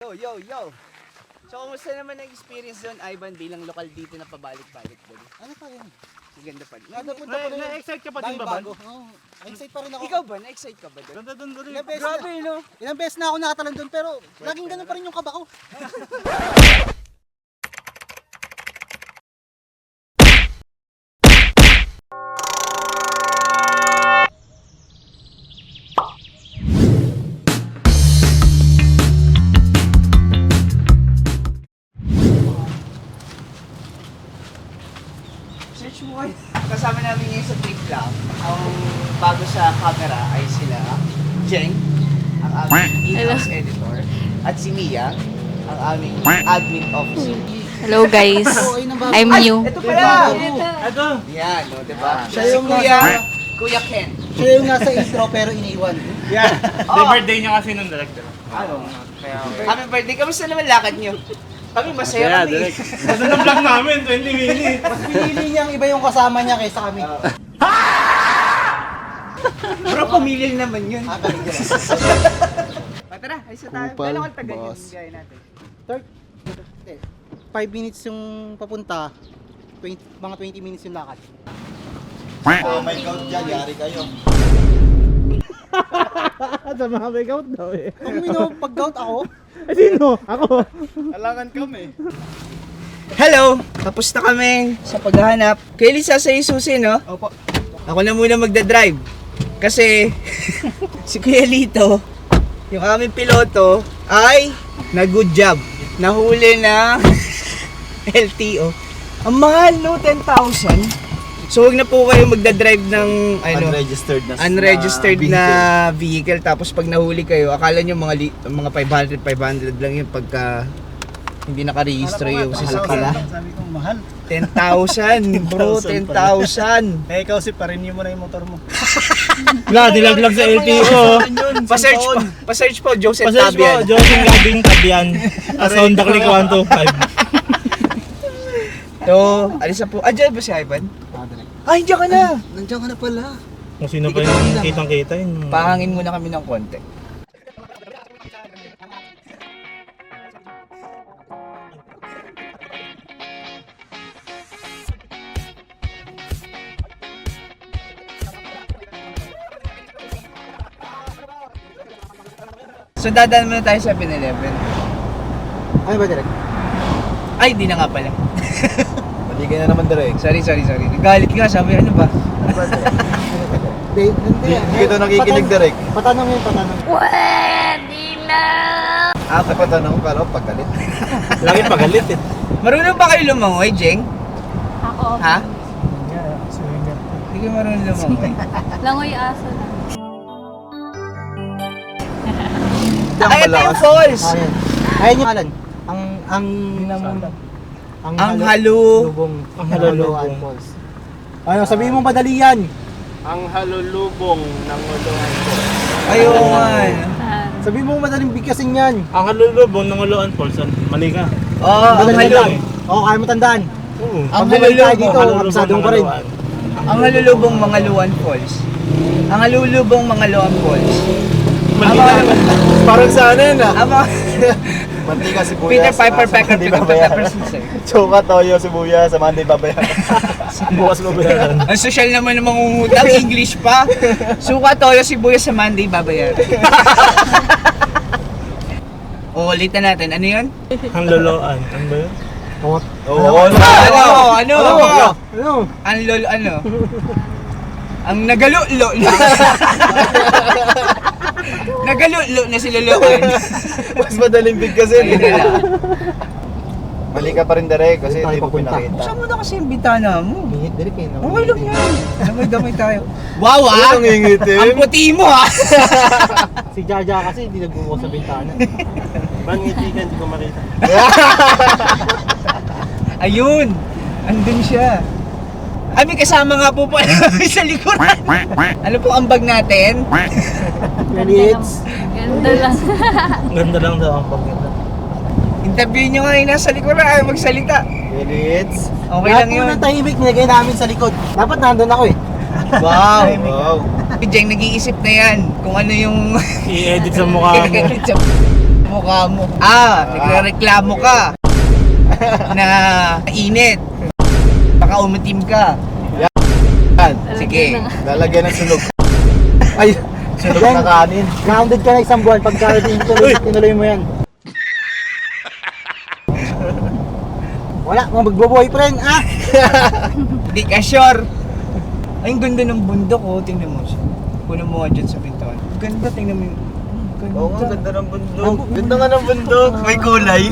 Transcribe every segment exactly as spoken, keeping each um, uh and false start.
Yo, yo, yo! So, kumusta naman ang experience doon, Ivan, bilang lokal dito na pabalik-balik doon? Ano pa yun? Maganda pa rin. Nadapunta pa rin. Na-excite ka pa din Dahil ba, Ban? bago. Oo. Excited pa rin ako. Ikaw ba? Na-excite ka ba doon? Ganda doon doon. Ilang beses Grabe, na, no? ilang beses na ako nakatalon doon pero laging ganun pa rin yung kaba ko. Search mo kayo. Kasama namin ngayon sa trip lang. Ang bago sa camera ay sila, Jeng, ang aming in-house editor, at si Mia, ang aming admin officer. Hello guys, I'm new. Ito pala! Ito. Yan, no, diba? Siya Si yung Kuya, nasa- Kuya Ken. Siya yung nasa intro pero iniwan. Yan. Oh. The birthday niya kasi nung director. Ano? Happy birthday. Kamusta naman lakad nyo? Kami masaya kami. Kasi ng vlog namin, twenty minutes. Mas pinili niyang iba yung kasama niya kaysa kami. Bro, pamilya naman yun. Ah, galing yan. Tara, ayos na tayo. Kupal, Gano'ng ang tagal boss. yung gaya natin? Third, eh, five minutes yung papunta, twenty, mga twenty minutes yung lakad. Oh my God, dyan, yari kayo. Sa mga make out daw eh. Kung mino, pag-gout ako, Eh sino? Ako. Alangan kami. Hello! Tapos na kami sa paghahanap. Kaya Lisa sa isusi, no? Opo. Ako na muna magdadrive. Kasi si Kuya Lito, yung aming piloto, ay nag-good job. Nahuli na L T O. Ang mahal, no? ten thousand. So huwag na po kayo magdadrive ng ano, Unregistered na unregistered vehicle. na vehicle. Tapos pag nahuli kayo, akala nyo mga li- mga five hundred, five hundred lang yun pagka hindi nakarehistro yung sasakyan. Sabi ko, mahal. ten thousand bro, ten thousand. Eh, ikaw si parenew mo na yung motor mo. Wala, dilaglag sa L T O. Pa-search po, pa-search po, Joseph Pasage po, Tabian. Joseph Gabing Tabian. As on the click one two five. So, alis na po. Ah, dyan ba si Ivan? ah, direct. Ay, dyan ka na. Nandiyan ka na pala. Kung sino pa yung kitang-kita yun. Pahangin muna kami ng konti. So, dadaan muna tayo sa seven eleven. Ano ba direct? Ay, di na nga pala. Mali ka na naman direct. Sorry, sorry, sorry. Nagalit ka, sabi ano ba? Hindi, hindi. Hindi ka ito nakikinig direct. Patanong yun, patanong. Ah, Sa patanong, pero pagkalit. Lagi pagalit eh. marunong ba kayo lumangoy, Jeng? Ako, Ha? Hindi kayo marunong lumangoy. langoy aso lang. Ay, ito yung falls! Ayun. Ayun yung kalan. Ang, ang, ang, Ang halu... halulubong. Ang halulubong. Falls. Ano, sabihin mo madali yan. Ang halulubong ng Uluan Falls. Ayun nga. Sabihin mo madaling bigkasin yan. Ang halulubong ng Uluan Falls. Mali ka. Oo, ang Madaling halu... tandaan. Oo, kaya mo tandaan. Oo. Ang Pag bumalik tayo halulubong, dito, absado ka rin. ang halulubong mga Luan Falls. Ang halulubong mga Luan Falls. Mali Ang ka. mga... Parang sa ano yun ah. Ang mga... Mantika, sibuyas. Peter Piper ah, sa Pecker, Monday Peter babayaran. Pepper Sisay. Choka, toyo, sibuyas, sa Monday babayaran. Bukas mo bayaran. Ang social naman ng mangungutang, English pa. Suka, toyo, sibuyas sa Monday, babayaran. O, ulitin natin. Ano yun? Ang loloan. Ano ba yun? Oo, Ano? Ano? Ano? Ano? Ang lol, ano? Ang nagalulo. Nagalulo na si Loloan. mas madaling bigkasin. Ayun na lang. Mali ka pa rin direct kasi Tayo hindi mo papunta. pinakita. Saan mo na kasi yung bitana mo? Mihit direct eh. no? Okay lang yan. Damay-damay tayo. Wow, ah! Ano nangingitim? Ang puti mo, ah! Si Jaja kasi hindi nagbubukas sa bintana. Bangiti ka, hindi ko makita. Ayun! Andun siya. Ay, may kasama nga po po sa likuran. Ano po ang bag natin? Minutes. Ganda lang. Ganda lang daw ang pagkita. Interview nyo nga yung nasa likuran, ay magsalita. Minutes. Okay Lahat lang po yun. ng tahimik nilagay namin sa likod. Dapat nandun ako eh. Wow! Wow. Si Jeng nag-iisip na yan kung ano yung... I-edit sa mukha mo. mukha mo. Ah, nagre-reklamo ka. Na init. Baka umitim ka. Yan. Sige. Lalagyan ng sunog. Ay, sunog na kanin. Grounded ka na isang buwan pagka tinuloy, tinuloy mo yan. Wala, mga magbo-boyfriend, ah! Hindi ka sure. Ay, ang ganda ng bundok, oh. Tingnan mo siya. Kunin mo nga dyan sa pintuan. Ganda, tingnan mo yung... Ganda. Oo nga, ganda ng bundok. Ganda nga ng bundok. May kulay.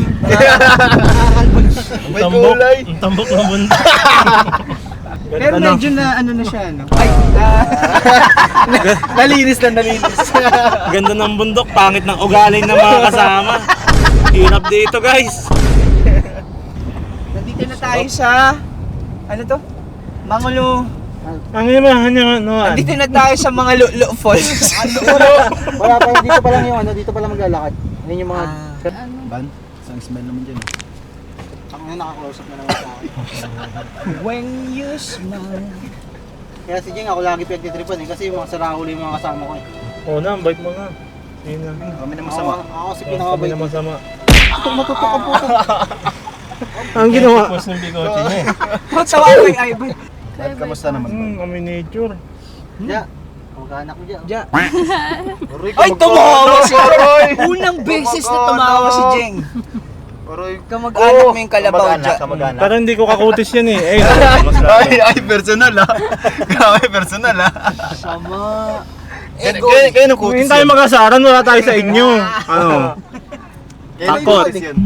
May kulay. Ang tambok ng bundok. Pero medyo na ano na siya, no? Ay, ah, Nalinis na nalinis. Ganda ng bundok, pangit ng ugali ng mga kasama. Hirap dito guys. nandito na tayo sa... Ano to? Mangulo... Ang ina man, ano, Nandito na tayo sa mga Lulu Falls. Wala pa, dito pa lang yung ano, dito pa lang maglalakad. Ayun yung mga... Ban, isang smell naman dyan. Ako na nakaklausap na naman sa akin. When you smile. Kaya si Jeng, ako lagi pinagtitripan eh, kasi yung mga sarahuli yung mga kasama ko eh. Oo na, bite mo na. Yun na. Kami na Ako, masama. ako kasi Kami pinakabay. na masama. Ako matutok ang puto. Ang ginawa. Tapos ng bigote niya. Tawa ko yung Ivan. Dad, kamusta naman? Hmm, kami nature. Ja, kamag-anak mo dyan. Ja. Aroy, Ay, kamag-anak. tumawa si Aroy! Unang beses na Kamag-anak. tumawa si Jeng. Aroy. Kamag-anak mo yung kalabaw Kamag-anak, dyan. kamag-anak. Pero hindi ko kakutis yan eh. Eh, Ay, ay, personal ah. Grabe, personal ah. Sama. Kaya, kaya, kaya nung kung kutis hindi tayo yan. mag-asaran, wala tayo sa inyo. Ano? Kaya nung Takot. kutis yan.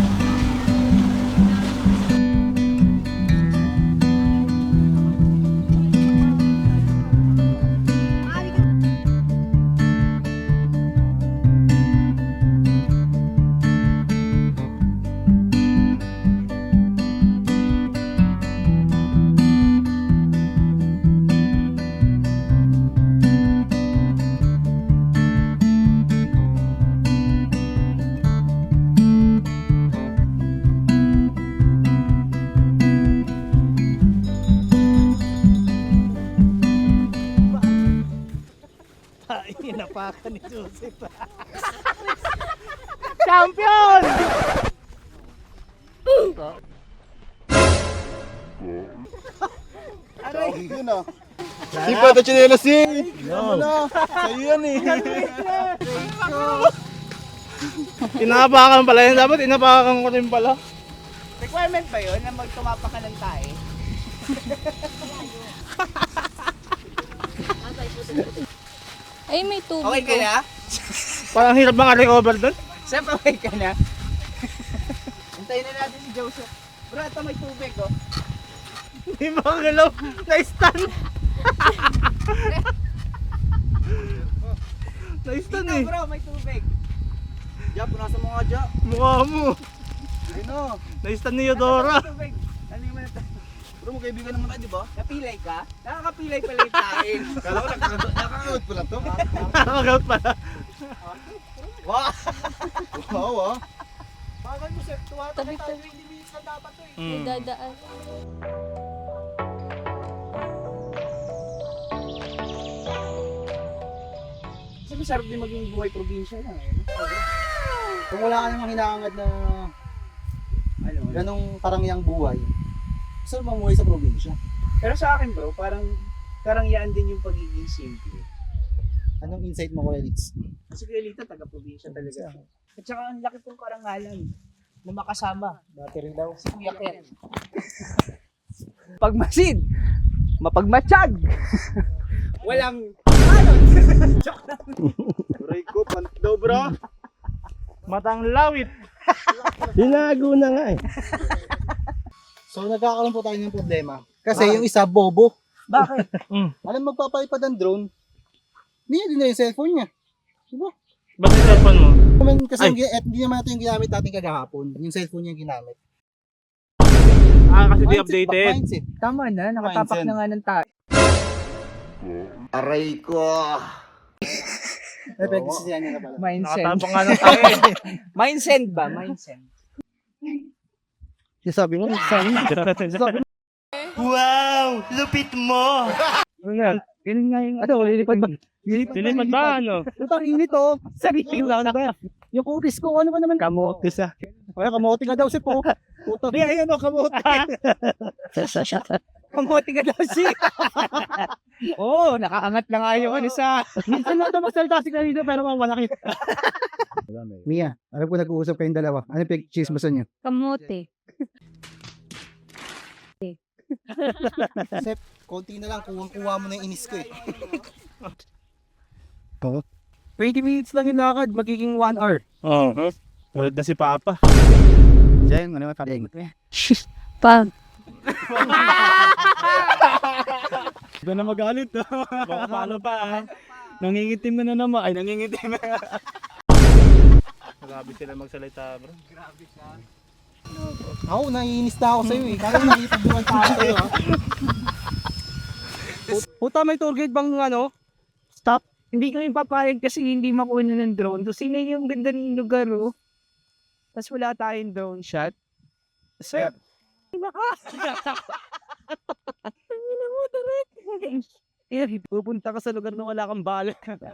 Champion! Yun ah. Sipa to chinelas eh. Ano na? Sa'yo yan eh. Inapakan pala yan. Dapat inapakan ko rin pala. Requirement ba yun na magtumapa ka ng tae? Ay, may tubig. Okay ka na? Parang hirap maka-recover doon. Siyempre okay ka na? Hintayin na natin si Joseph. Bro, ito may tubig oh. Hindi makagalaw. Na-stun. Na-stun Dito eh. bro, may tubig. Ja, punasan mo nga, Ja. Mukha mo. Ayun o. Na-stun ni Eudora. May tubig. Ano yung mga to? Bro, magkaibigan naman tayo, di ba? Napilay ka? Nakakapilay pala yung tae. Kala ko nakakagod pala to. Nakakagout pala. Wow! Wow ah. Bakit mo sir, tuwatabi tayo twenty minutes na dapat to eh. May dadaan. Kasi masarap din maging buhay probinsya lang eh. Kung wala ka namang hinahangad na Ano, ganong karangyang buhay, saan mamuhay sa probinsya? Pero sa akin bro, parang karangyaan din yung pagiging simple. Anong insight mo, Kuya Litz? Kasi kaya Lito, taga-probinsya talaga. At saka ang laki kong karangalan na makasama. Battery daw. Si Kuya Ken. Pagmasid, mapagmatsyag. Walang Aray ko, panit daw bro. Matang lawit. Tinago na nga eh. So nagkakaroon po tayo ng problema. Kasi yung isa, bobo. Bakit? Alam magpapalipad ang drone, hindi niya din na yung cellphone niya. Diba? Ba't yung cellphone mo? Naman kasi Ay. yung, gi- eh, hindi naman ito yung ginamit natin kagahapon. Yung cellphone niya yung ginamit. Ah, kasi di Mindset, updated. Mindset. Tama na, nakatapak Mindset. na nga ng tayo. Aray ko. May pagkasisiyan niya na pala. Mindset. Nakatapang nga ng tayo eh. Mindset ba? Mindset. Sabi mo, sabi mo. Wow! Lupit mo! Ano yan? Ganun nga yung, ano, lilipad ba? Lilipad ba ano? Ito, ang init oh. Sarili lang na kaya. Yung kutis ko, ano ba naman? Kamote sa. Kaya kamote nga daw si po. Puto. Di, ayan o, kamote. Kamote ka daw siya. Oo, oh, nakaangat na nga yung ano sa... Minsan lang ito magsalita si Clarito pero malaki. Mia, alam ko nag-uusap kayong dalawa. Ano yung pag-chismosan niyo? Kamote. Sep, konti na lang. Kuwang-kuha mo na yung inis ko eh. twenty minutes lang yung lakad, magiging one hour. Oo. Oh, ulit na si Papa. Diyan, ano yung parang? Pag. Ito na magalit. Baka paano pa ah. Nangingitim na na naman. Ay, nangingitim na. Grabe sila magsalita bro. Ako, naiinis na ako sa'yo eh. Kaya nakikipagduan pa ako sa'yo ha. Puta, may tour guide bang ano? Stop. Hindi kami papayag kasi hindi makuha na ng drone. So, sino yung ganda ng lugar, oh? Tapos wala tayong drone shot. Sir, pupunta ka sa lugar na wala kang bala.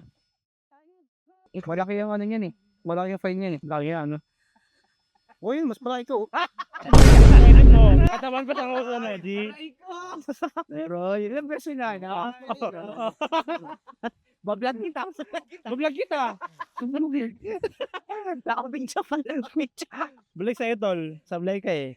Malaki yung ano yan eh. Malaki yung fine yan eh. Lagi ano. O yun, mas malaki ko. Kainin mo. Katawan ko sa uso na. Di. Pero, ilang beses na na. Bablog kita. Bablog kita. Nakabidya pa lang. Balik sa'yo tol. Sablay ka eh.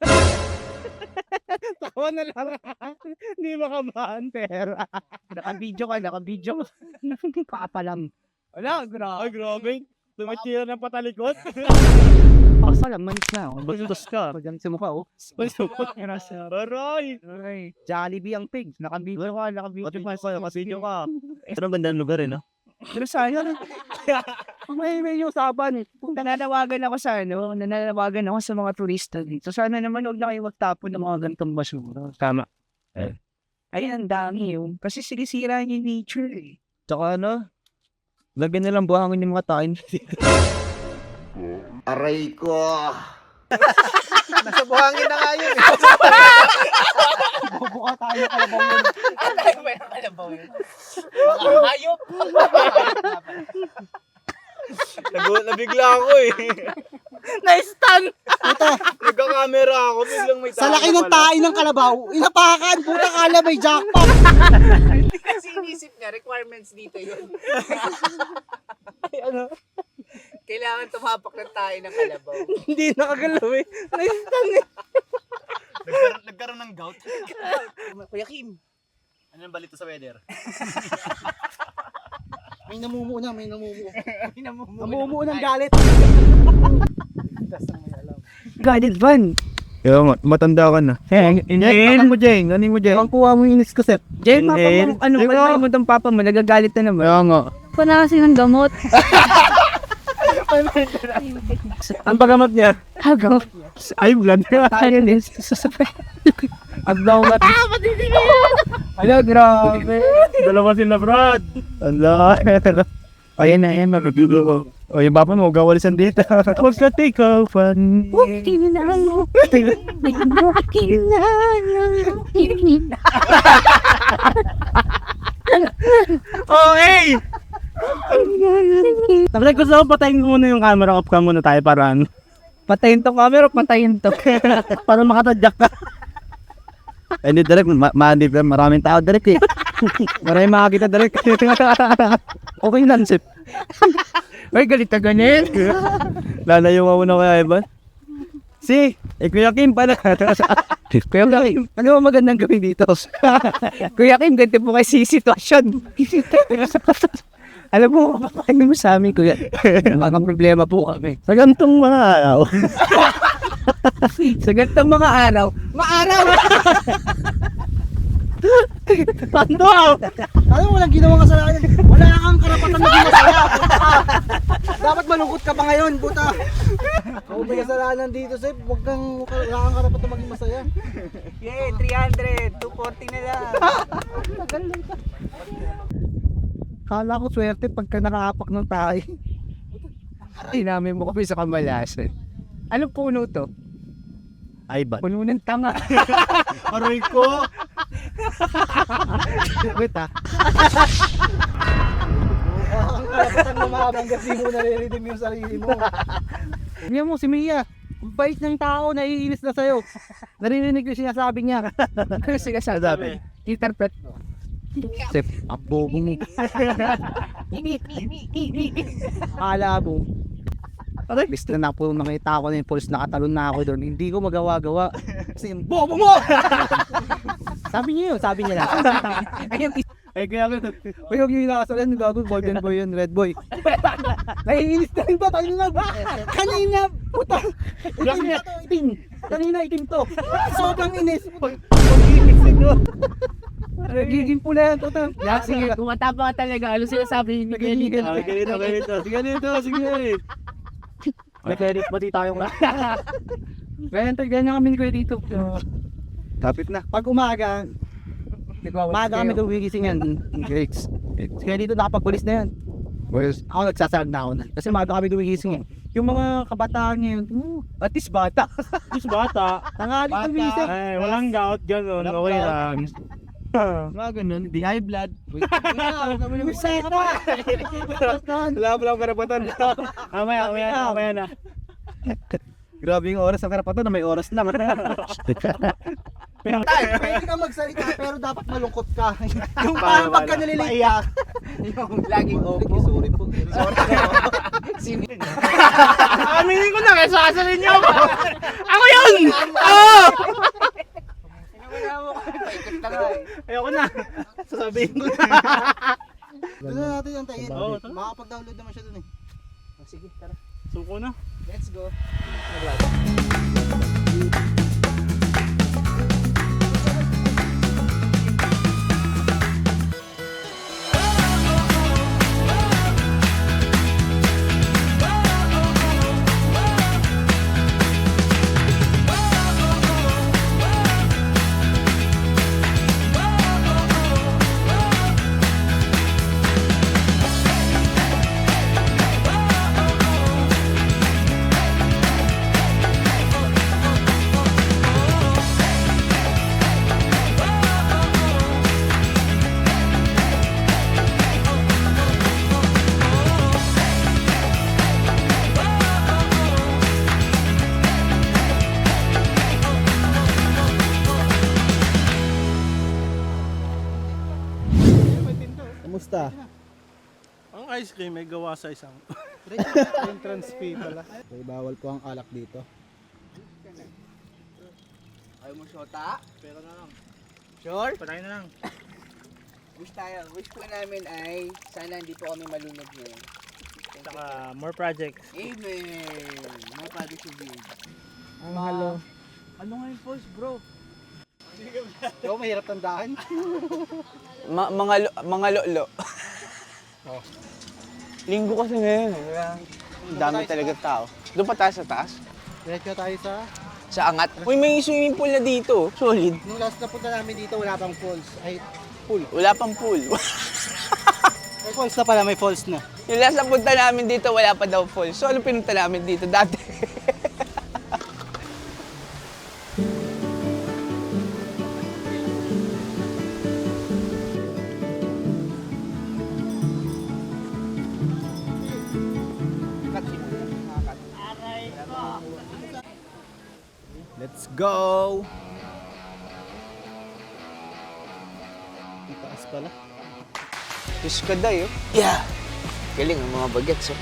Tawa na lang. Hindi makabahan pera. Nakabidyo ka, nakabidyo. Papalam. Wala, grabe. Ay grabe. Tumatira ng patalikot. Pasalam, manis na. Bastos ka. Pagdamit sa mukha, oh. Bastos ka na siya. Aray. Ay, Jollibee ang pig. Nakabidyo ka, nakabidyo. Pati pa sa video ka. Ito ang ganda ng lugar eh no? Pero sayang. May may usapan. Kung nananawagan ako sa ano, nananawagan ako sa mga turista dito. Sana naman huwag na kayo magtapon ng mga ganitong basura. Tama. Ay, ang dami yun. Kasi sinisira niya yung nature eh. Tsaka ano? Lagyan nilang buhangin yung mga tain. Aray ko. Nasa buhangin na nga yun eh. Bubuka tayo kalabaw yun. Ay, may nakalabaw yun. Mga hayop. Nagulat na bigla ako eh. Na-stun. Nagka-camera ako. Biglang may Sa laki ng tae ng kalabaw, inapakan, puta kala may jackpot. Hindi kasi inisip niya, requirements dito yun. Ay, ano? Kailangan tumapak ng tayo ng kalabaw. Hindi nakagalaw eh. Na-stun eh. Nagkaroon, nagkaroon ng gout. Kuya Kim. Ano yung balita sa weather? May namumuo na, may namumuo. May namumuo. Namumuo ng galit. Guided van. Yo, matanda ka na. Eh, Ano mo Jeng? Ano mo Jeng? Ang kuha mo yung inis ko, Sep. Jay, papa Inhale. mo, ano, Ikaw. kalmay mo itong papa mo, nagagalit na naman. Kaya nga. Pa na kasi ng gamot. Ang pagamat niya? Hagaw. Ay, blood. Tayo din. Ang bawat. Ah, Hello, grabe. Dalawa sila, Brad. Allah. Ayan na, ayan, mag-video ko. O, yung bapa mo, gawalisan dito. Huwag ka take off. Kinala. Kinala. Oh, hey! Tapos gusto ko patayin ko muna yung camera. Off cam muna tayo para ano. Patayin to camera, patayin to. Para makatadyak ka. Eh, hindi direct. Ma ma maraming tao direct eh. Maraming makakita direct. Okay lang, Sip. Ay, galit na ganun. Lalayo ka muna kaya, Ivan. Si, eh, Kuya Kim pala. Kuya Kim, ano ba magandang gawin dito? Kuya Kim, ganito po kasi sitwasyon. Alam mo, kapakain mo sa amin, Kuya. Mga problema po kami. Sa gantong mga araw. Sa ganitong mga araw, maaraw! Tando! Ano mo walang ginawang kasalanan? Wala kang karapatan maging masaya. Dapat malungkot ka pa ngayon, puta. Kung may kasalanan dito, Sep, wag kang, wala kang karapatan maging masaya. Yay, three hundred, two forty na lang. Kala ko swerte pagka nakaapak ng tayo. Ay, namin mo kami sa kamalasan. Anong puno to? Ivan. Puno ng tanga. Aray ko! Wait ah. Ang karapatan mo makabanggas, di mo nare-redeem yung sarili mo. Tingnan mo si Mia. Ang bait ng tao, naiinis na sa'yo. Narinig ko siya sabi niya. Ano sinasabi? Interpret mo. Sip, ang bobo mo. Akala mo. Parang list na na po nakita ko na yung polis, nakatalon na ako doon. Hindi ko magawa-gawa. Kasi yung bobo mo! Sabi niya yun, sabi niya lang. Ayun, ay kaya ako, ay huwag yung inakasalan, gago, golden boy yun, red boy. Naiinis na rin ba? Tayo na ba? Kanina, puta! Itim na to, itim! Kanina, itim to! Sobrang inis! Pag-inis nyo! Nagiging pula yan, tuta. Yeah, sige, tumatapa ka talaga. Ano sinasabi ni Miguel? Sige, ganito, ganito. Sige, ganito, sige. May credit pati tayong lahat. Ganyan, ganyan kami ko dito. Kapit na. Pag umaga, maaga kami gumigising yan. Greats. Kaya dito nakapagpulis na yan. Well, ako nagsasag na ako na. Kasi maaga kami gumigising yan. Yung mga kabataan ngayon, uh, at least bata. At least bata. Tangali gumigising. Ay, walang gout, gano'n. Okay lang. Mga ganun, di high blood. Masaya ka pa! Wala pa lang karapatan. Mamaya, mamaya na, mamaya na. Grabe yung oras ng karapatan na may oras lang. Tay, pwede ka magsalita pero dapat malungkot ka. Yung parang pagka nalilate ka. Yung laging opo. Sorry po. Sino? Aminin ko na, kaya sasasalin niyo ako. Ako yun! Oo! Paikot na nga eh. Ayoko na. Sasabihin ko na. Doon na natin yung tayo. Oo, tara. Makakapag-download naman siya doon eh. Oh, sige, tara. Suko na. Let's go. Kamusta? Ang ice cream may gawa sa isang entrance fee pala. Okay, bawal po ang alak dito. Ayaw mo shota? Pero na lang. Sure? Patayin na lang. Wish tayo. Wish po namin ay sana hindi po kami malunod ngayon. Saka more projects. Amen! Mga project review. Ang halo. Ano nga yung pulse, bro? Ikaw mahirap tandaan. Ma- mga lo- mga lolo. Oh. Linggo kasi ngayon. eh, Kaya ang dami talaga tao. Doon pa tayo sa taas. Diretso tayo sa... Sa angat. Uy, may swimming pool na dito. Solid. Nung last na punta namin dito, wala pang falls. Ay, pool. Wala pang pool. May falls na pala, may falls na. Yung last na punta namin dito, wala pa daw pool. So, ano pinunta namin dito dati? Let's go! Ang taas pala. Diyos ka dayo. Yeah! Galing ang mga bagets, oh.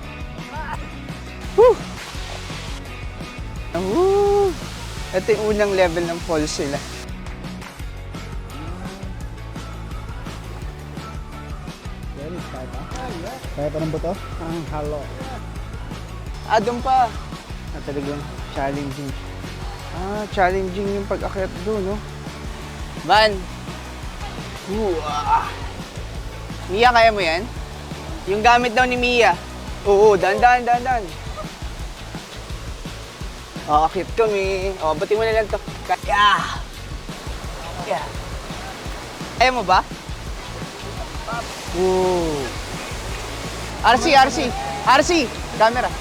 Woo! Ah, woo! Ito yung unang level ng falls sila. Very kaya pa. Kaya pa ng buto? Ang halo. Ah, doon pa. Ah, talagang challenging. Ah, challenging yung pag-akyat doon, no? Man! Ooh, ah. Mia, kaya mo yan? Yung gamit daw ni Mia. Oo, dandan, dandan. Oh, akyat kami. Oh, bati mo na lang to. Kaya! Yeah. Ayaw mo ba? Ooh. R C, R C. R C! Camera.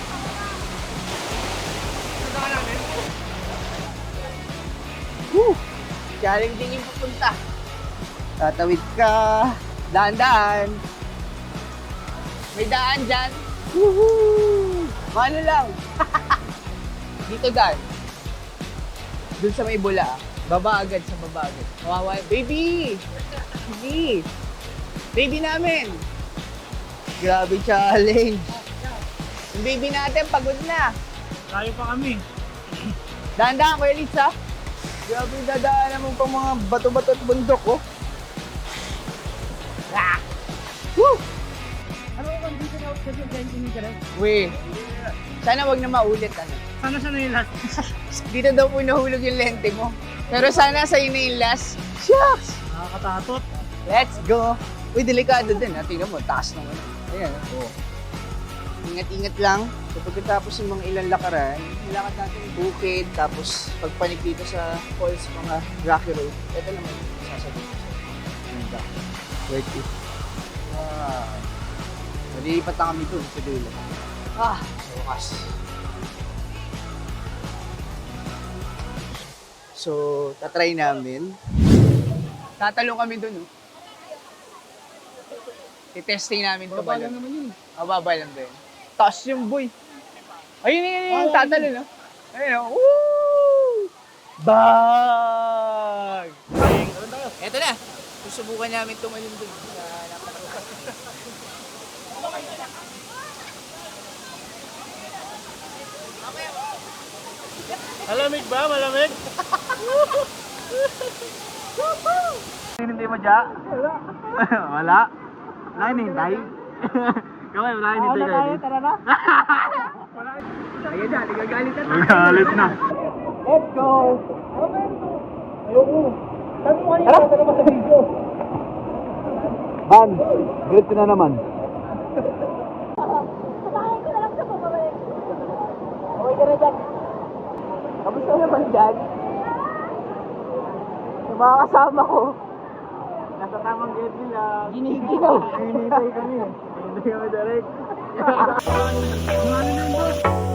Woo! Challenging yung pupunta. Tatawid ka. Daan-daan. May daan dyan. Woohoo! Mano lang. Dito daan. Doon sa may bula. Baba agad sa baba agad. Kawawa. Baby! Baby! Baby namin! Grabe challenge. Yung baby natin pagod na. Layo pa kami. Dahan-dahan, Kuya Litz, ha? Grabe, dadaanan mo pang mga bato-bato at bundok, oh. Ah! Woo! Ano kung dito na sa dyan ka rin? Uy, sana wag na maulit, ano. Sana siya na yung last. Dito daw po nahulog yung lente mo. Pero sana sa'yo na yung last. Shucks! Nakakatatot. Let's go! Uy, delikado din, ha? Tingnan mo, taas ng ano. Ayan, oh. Ingat-ingat lang. So, pagkatapos ng mga ilang lakaran, nilakad natin yung bukid, tapos pagpanik dito sa falls, mga rocky road. Ito naman yung sasabihin ko sa'yo. Ganda. Worth it. Wow. Nalilipat na kami dun sa dulo. Ah, sa wakas. So, tatry namin. Tatalong kami dun, oh. I-testing namin ito ba lang? naman yun. Mababa lang ba yun? Taas yung boy. Ayun yun yun yung tatalo, no? Ayun, oh. Woo! Bag! Eto na. Susubukan namin tumalon dun sa napakalukas. Malamig ba? Malamig? Hindi mo dya? Wala. Wala? Wala hinihintay? Kawai, wala hinihintay kayo. Tara na. Ayun na, nagagalit na. Magalit na. Let's go! Ayoko. Sabi mo kanina, tara pa sa video. Ban, great ka na naman. Okay ka na dyan. Kamusta naman dyan? Yung mga kasama ko. Nasa tamang gate nila. Giniginaw. Hinihintay kami. Hinihintay kami direct. Ano na yung boss?